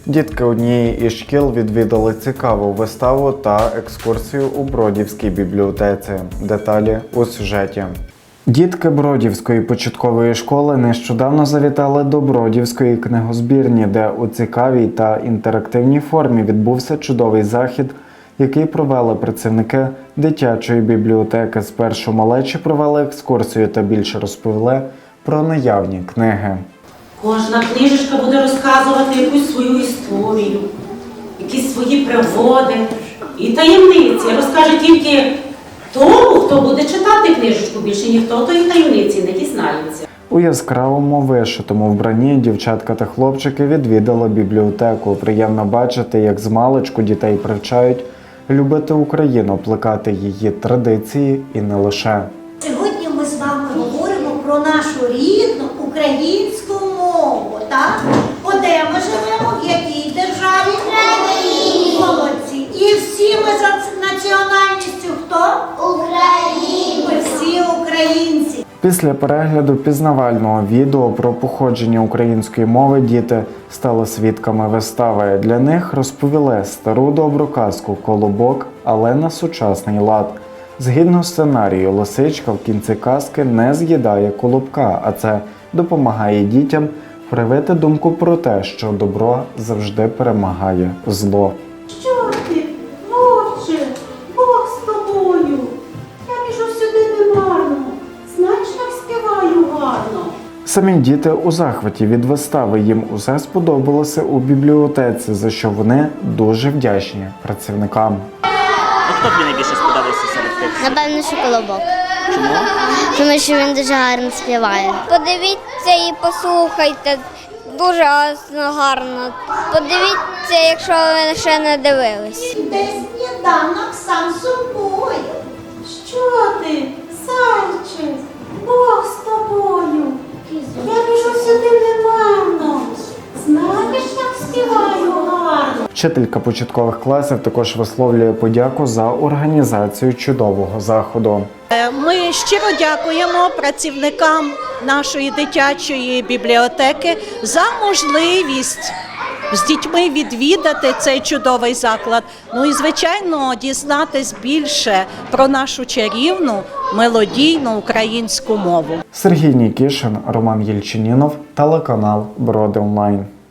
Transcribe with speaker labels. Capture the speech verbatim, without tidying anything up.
Speaker 1: Дітки однієї із шкіл відвідали цікаву виставу та екскурсію у Бродівській бібліотеці. Деталі у сюжеті. Дітки Бродівської початкової школи нещодавно завітали до Бродівської книгозбірні, де у цікавій та інтерактивній формі відбувся чудовий захід, який провели працівники дитячої бібліотеки. Спершу малечі провели екскурсію та більше розповіли про наявні книги.
Speaker 2: Кожна книжечка буде розказувати якусь свою історію, якісь свої пригоди і таємниці. Розкаже тільки тому, хто буде читати книжечку, більше ніхто тої таємниці не дізнається.
Speaker 1: У яскравому вишитому вбранні дівчатка та хлопчики відвідали бібліотеку. Приємно бачити, як змалечку дітей привчають любити Україну, плекати її традиції і не лише.
Speaker 3: Сьогодні ми з вами говоримо про нашу рідну українську мову, так? О, де ми живемо, в якій державі? Україні. Молодці. І всі ми за національністю хто? Українці. Ми всі українці.
Speaker 1: Після перегляду пізнавального відео про походження української мови діти стали свідками вистави. Для них розповіли стару добру казку «Колобок», але на сучасний лад. Згідно сценарію, лисичка в кінці казки не з'їдає колобка, а це допомагає дітям привити думку про те, що добро завжди перемагає зло.
Speaker 2: Що ти, вовче, Бог з тобою? Я біжу сюди немарно, знаєш, як співаю гарно.
Speaker 1: Самі діти у захваті від вистави, їм усе сподобалося у бібліотеці, за що вони дуже вдячні працівникам.
Speaker 4: Хто тобі найбільше сподобався серед тих?
Speaker 5: Напевно, що Колобок.
Speaker 4: Чому?
Speaker 5: Тому що він дуже гарно співає. Подивіться і послухайте, дуже гарно. Подивіться, якщо ви ще не дивились.
Speaker 3: Де сніданок сам собою.
Speaker 2: Що ти, зайчик, Бог з тобою? Я біжу сюди немарно, знаєш, як співаю гарно.
Speaker 1: Вчителька початкових класів також висловлює подяку за організацію чудового заходу.
Speaker 6: Ми щиро дякуємо працівникам нашої дитячої бібліотеки за можливість з дітьми відвідати цей чудовий заклад. Ну і, звичайно, дізнатись більше про нашу чарівну, мелодійну українську мову.
Speaker 1: Сергій Нікішин, Роман Єльчинінов, телеканал Броди Онлайн.